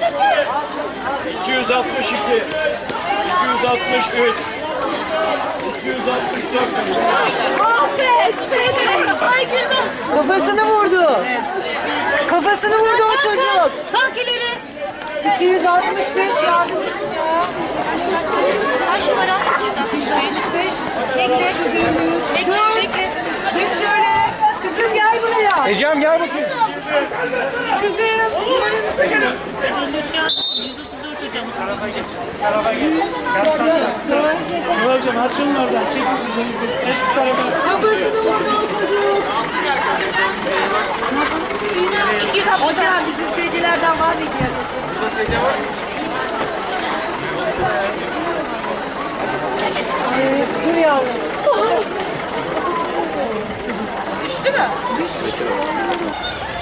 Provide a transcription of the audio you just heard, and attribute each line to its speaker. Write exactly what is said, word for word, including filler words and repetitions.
Speaker 1: iki yüz altmış iki, iki yüz altmış üç, iki yüz altmış dört.
Speaker 2: Kafasını vurdu. Kafasını vurdu o çocuk.
Speaker 3: Kalk ileri.
Speaker 2: iki yüz altmış beş yardım edin ya.
Speaker 3: Kaç numara?
Speaker 2: iki yüz altmış beş.
Speaker 3: Bekle. Bekle. Bekle.
Speaker 2: Geç şöyle. Kızım gel buraya.
Speaker 1: Ecem gel bakayım.
Speaker 2: Kızım.
Speaker 1: Kıvılcım açılın oradan. Çekil bizi. Geç bu tarafa.
Speaker 2: Kafasını vurdu o çocuk.
Speaker 3: iki yüz altmış.
Speaker 2: Hocam bizim sevgilerden var mıydı ya? Ee, dur yavrum.
Speaker 3: Düştü mü?
Speaker 2: Düştü.